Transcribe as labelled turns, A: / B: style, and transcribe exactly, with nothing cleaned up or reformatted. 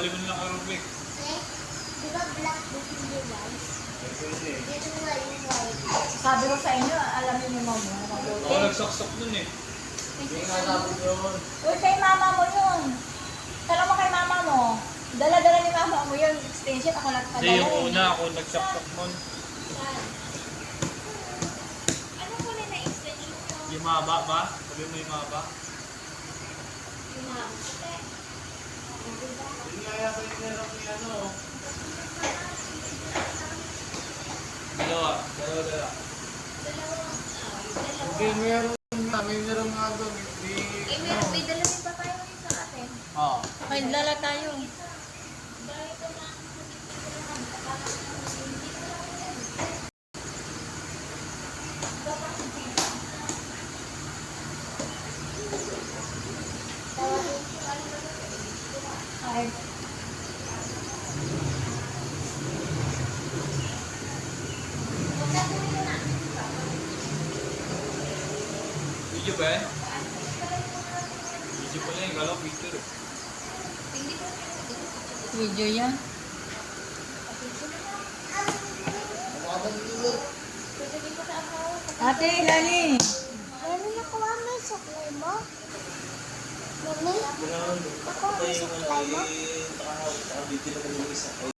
A: Bawali mo nilang aerobic.
B: Eh, di ba black book hindi white? Dito nga yung white.
C: Sabi ko sa inyo, alamin niyo mo mo. Mabuti.
A: Ako nagsaksak dun eh.
D: Hindi nga dapat yun.
C: Uy, kay mama mo yun. Tanong mo kay mama mo. Dala-dala ni mama mo yun. Extension, ako lang
A: Hindi, yung una ako nagsaksak nun.
B: Ano ko na na-extension?
A: Yung maba ba? Sabi mo yung maba?
B: Yung mga puti.
D: Hindi nga yata yung meron ni ano.
A: Dalawa. Dalawa, dalawa.
B: Dalawang, ah, dalawa.
D: Hindi meron nga. May meron nga doon. Hindi.
B: Eh, meron, may dala rin pa tayo rin sa atin.
A: Oo.
C: May dala tayo.
B: Dahil ito na.
C: Ay,
A: Video ba eh? Video pala yung galaw, picture eh.
C: video yan. Ate, Lani.
B: Ano nakuha mo yung supply mo? Mami?
D: Ground.
B: Nakuha mo yung supply mo?
D: Saka, saka video na kami isa.